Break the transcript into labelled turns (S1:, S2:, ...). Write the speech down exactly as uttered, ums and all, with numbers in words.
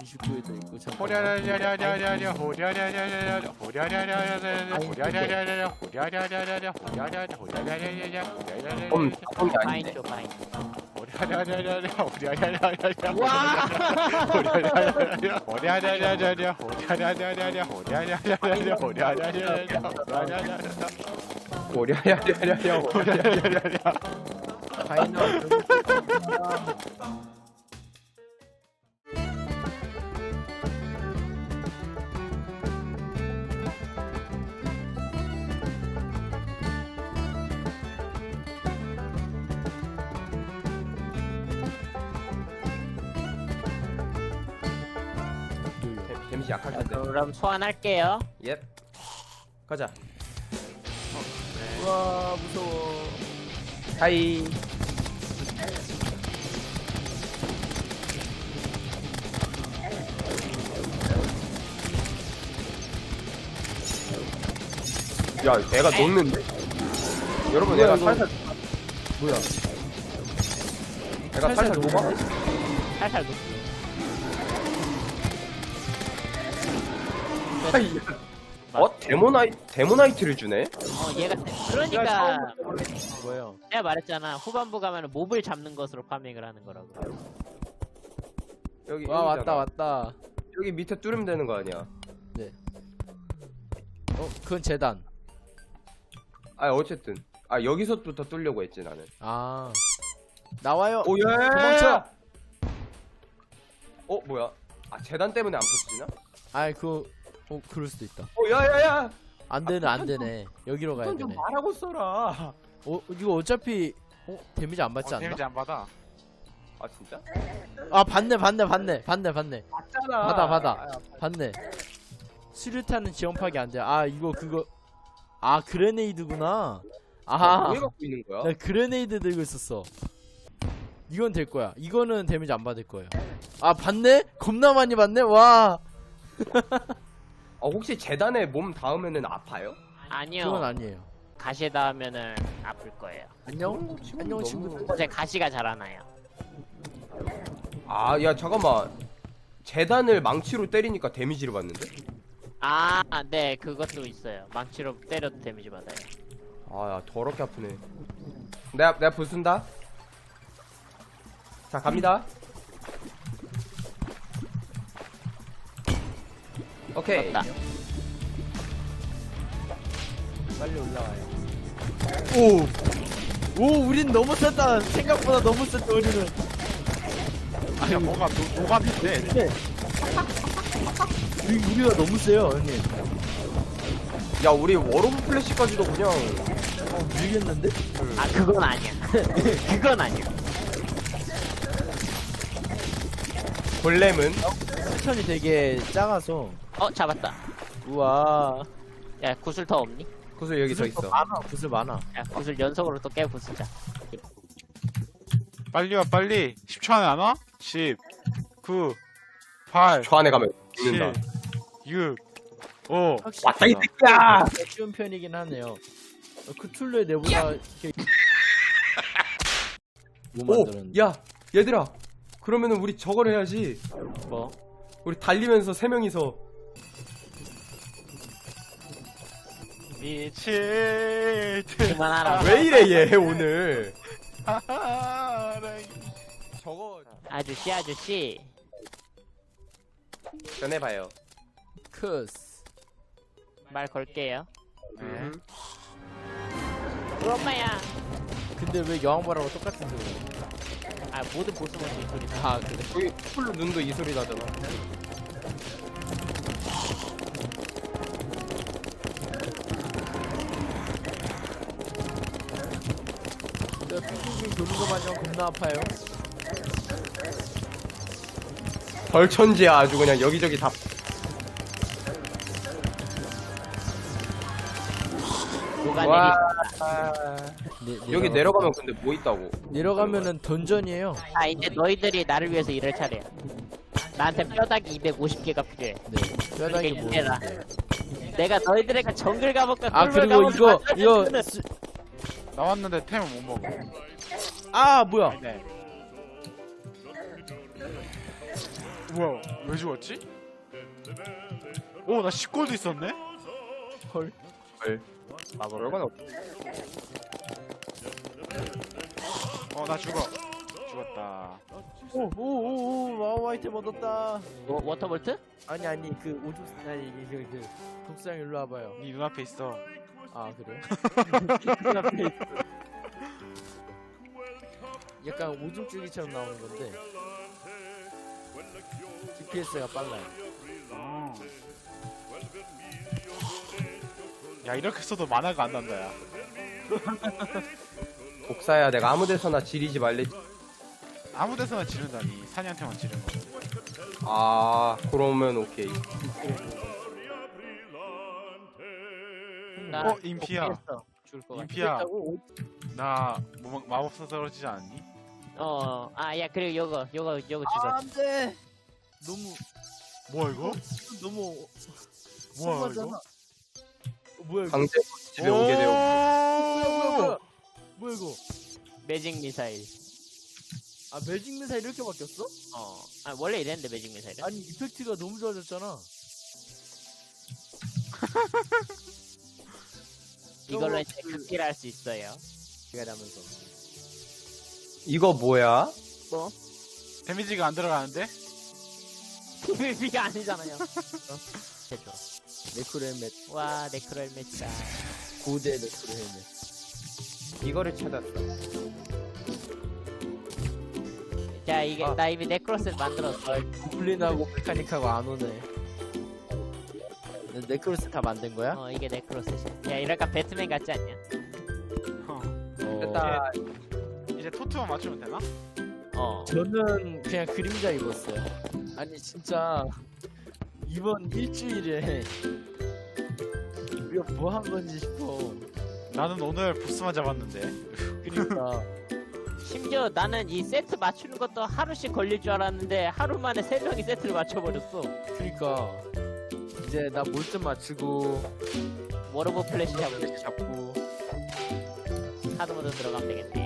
S1: 이십구에도 있고 잠깐.
S2: 호랴랴랴랴랴랴 호랴랴랴랴랴 호랴랴랴랴랴 호랴랴랴랴랴 호랴랴랴랴랴 호랴랴랴 호랴랴랴랴랴
S3: 음,
S2: 호랴랴랴랴랴
S3: 닭똥이 아닌데.
S4: 파인쇼 파인.
S2: 호랴랴랴랴랴 호랴랴랴랴랴
S4: 와.
S2: 호랴랴랴랴랴 호랴랴랴랴랴 호랴랴랴랴랴 호랴랴랴랴랴 호랴랴랴랴랴 호랴랴랴랴랴
S3: 오랴야야야야
S2: 호랴랴랴랴랴
S1: 파이널.
S3: 데미지 약할 텐데.
S4: 그럼 소환할게요.
S3: 예. 가자.
S1: 와 무서워.
S3: 하이. 야, 애가 녹는데? 여러분,
S1: 뭐야,
S3: 애가
S1: 이거?
S3: 살살,
S1: 뭐야?
S3: 애가 살살 녹아?
S4: 살살 녹.
S3: 하이. 어? 데모나이, 데모나이트를 주네?
S4: 어 얘가 그러니까
S1: 뭐예요?
S4: 내가 말했잖아. 후반부 가면 몹을 잡는 것으로 파밍을 하는 거라고.
S3: 여기,
S1: 와
S3: 여기잖아.
S1: 왔다 왔다.
S3: 여기 밑에 뚫으면 되는 거 아니야?
S1: 어 그건 재단.
S3: 아, 어쨌든. 아, 여기서부터 뚫려고 했지, 나는.
S1: 아 나와요.
S3: 오, 예!
S1: 도망쳐.
S3: 어, 뭐야? 아, 재단 때문에 안 부서지나?
S1: 아이 그거 어 그럴 수도 있다.
S3: 어, 야, 야, 야!
S1: 안 되네 안 되네. 여기로 가야
S3: 그건 좀
S1: 되네.
S3: 말하고 써라.
S1: 어 이거 어차피 어 데미지 안 받지 않나?
S2: 데미지 안 받아
S3: 아, 진짜?
S1: 아 받네 받네 받네 받네 받네
S3: 맞잖아.
S1: 받아 받아 받네. 수류탄은 지원파기 안 돼. 아 이거 그거 아 그레네이드구나.
S3: 아,
S1: 아
S3: 왜 갖고 있는 거야?
S1: 나 그레네이드 들고 있었어. 이건 될 거야. 이거는 데미지 안 받을 거예요. 아 받네? 겁나 많이 받네. 와
S3: 아, 혹시 재단에 몸 닿으면은 아파요?
S4: 아니요.
S1: 그건 아니에요.
S4: 가시에 닿으면은 아플 거예요.
S1: 안녕
S3: 어, 지금
S1: 안녕
S3: 너무-
S1: 친구들.
S4: 제 가시가 자라나요.
S3: 아, 야, 잠깐만. 재단을 망치로 때리니까 데미지를 받는데?
S4: 아, 네, 그것도 있어요. 망치로 때려도 데미지 받아요.
S3: 아, 야, 더럽게 아프네. 내가, 내가 부순다. 자, 갑니다. 오케이.
S4: 맞다.
S1: 빨리 올라와요. 오! 오, 우린 너무 셌다. 생각보다 너무 셌다, 우리는.
S2: 아니 뭐가 노- 노감인데
S1: 네. 우리, 우리가 너무 세요, 형님.
S3: 야, 우리 워로브 플래시까지도 그냥.
S1: 어, 밀겠는데?
S4: 아, 그건 아니야. 그건 아니야.
S3: 골렘은?
S1: 패턴이 되게 작아서.
S4: 어, 잡았다.
S1: 우와.
S4: 야, 구슬 더 없니?
S3: 구슬 여기 서
S1: 구슬
S3: 있어.
S1: 많아, 구슬 많아.
S4: 야, 구슬 연속으로 또 깨 부수자.
S2: 빨리 와 빨리 십 초 안에 안 와? 십 구 팔
S3: 저 안에 가면
S2: 칠
S3: 죽는다.
S2: 육 오
S1: 확실히
S3: 왔다, 이 새끼야!
S1: 쉬운 편이긴 하네요. 어, 크툴루의 내보다 이렇게 뭐
S3: 오!
S1: 만드는
S3: 야! 얘들아! 그러면은 우리 저걸 해야지.
S1: 뭐?
S3: 우리 달리면서 세 명이서.
S2: 미칠 듯
S4: 그만하라.
S3: 왜 이래, 얘, 오늘.
S2: 사랑이.
S3: 저거.
S4: 아저씨, 아저씨.
S3: 전해봐요.
S1: 크스.
S4: 말 걸게요.
S2: 네.
S3: 음.
S4: 우리 엄마야.
S1: 근데 왜 여왕벌하고 똑같은 소리?
S4: 아, 모든 보스 먼저 이 소리 나.
S1: 아 그래?
S3: 여기 풀로 눈도 이 소리 나잖아.
S1: 저 핑핑핑 도는 거 마냥 겁나 아파요.
S3: 벌천지야, 아주 그냥 여기저기 다.
S4: 누가
S3: 와.
S4: 내리.
S1: 네,
S3: 여기
S1: 내려가-
S3: 내려가면 근데 뭐 있다고?
S1: 내려가면은 던전이에요.
S4: 아, 이제 너희들이 나를 위해서 일할 차례야. 나한테 뼈다귀 이백오십 개가 필요해.
S1: 네. 뼈다귀
S4: 그러니까
S1: 뭐?
S4: 이래라. 내가 너희들에게 정글 가볼까?
S1: 아
S4: 꿀벌
S1: 그리고
S4: 가볼까
S1: 이거
S4: 만들어줄
S1: 이거
S4: 때는
S1: 스-
S2: 나왔는데 템을 못 먹어.
S1: 아 뭐야?
S2: 네. 뭐야? 왜 죽었지? 오, 나 십 골도 있었네?
S1: 헐.
S3: 아, 별건 없.
S2: 어, 나 죽어. 죽었다.
S1: 오오오오 와우 아이템 얻었다.
S4: 워, 워터볼트?
S1: 아니 아니 그 오죽 아니 이게 그, 그 독수랑 일로 와봐요.
S2: 네 눈앞에 있어.
S1: 아 그래? 약간 오줌 줄기처럼 나오는 건데 지피에스가 빨라요.
S2: 어. 야, 이렇게 써도 만화가 안 난다, 야.
S3: 복사야, 내가 아무 데서나 지리지 말래.
S2: 아무 데서나 지른다니. 사냥한테만 지른 거.
S3: 아, 그러면 오케이.
S4: 나
S2: 어, 인피야.
S4: 복귀했어. 죽을 것 같아.
S2: 인피야. 나 뭐, 마법사 떨어지지 않니?
S4: 어, 아, 야, 그리고 요거, 요거, 요거 주소.
S1: 아, 안돼. 너무
S2: 뭐야, 이거?
S1: 너무
S2: 뭐야,
S1: 심하잖아.
S2: 이거?
S1: 어, 뭐야 이거?
S3: 강제 집에 오게 되고.
S1: 뭐야 뭐야 뭐야? 뭐야 이거?
S4: 매직 미사일.
S1: 아 매직 미사일 이렇게 바뀌었어?
S4: 어, 아, 원래 이랬는데, 매직 미사일은?
S1: 아니 이펙트가 너무 좋아졌잖아.
S4: 이걸로
S1: 어,
S4: 이제
S1: 그-
S4: 극기를 할 수 있어요.
S1: 제가 나면서.
S3: 이거 뭐야?
S4: 뭐?
S2: 데미지가 안 들어가는데?
S4: 비가 아니잖아요. 해줘.
S1: 네크로 헬멧
S4: 와, 네크로 헬멧이다.
S1: 고대 네크로 헬멧.
S3: 이거를 찾았어.
S4: 자, 이게,
S1: 아.
S4: 나 이미 네크로셋 만들었어.
S1: 고블린하고 메카닉하고 안 오네. 네, 네크로스 다 만든 거야?
S4: 어, 이게 네크로셋이야. 야, 이럴까 배트맨 같지 않냐?
S2: 어.
S1: 어.
S3: 됐다.
S2: 이제 토트만 맞추면 되나?
S4: 어.
S1: 저는 그냥 그림자 입었어요. 아니 진짜 이번 일주일에 우리가 뭐 한 건지 싶어.
S2: 나는 오늘 보스만 잡았는데.
S1: 그러니까
S4: 심지어 나는 이 세트 맞추는 것도 하루씩 걸릴 줄 알았는데 하루 만에 세 명이 세트를 맞춰버렸어.
S1: 그러니까 이제 나 몰좀 맞추고
S4: 워러브 플래시 잡고
S1: 잡고
S4: 하드모드 들어가면 되겠네.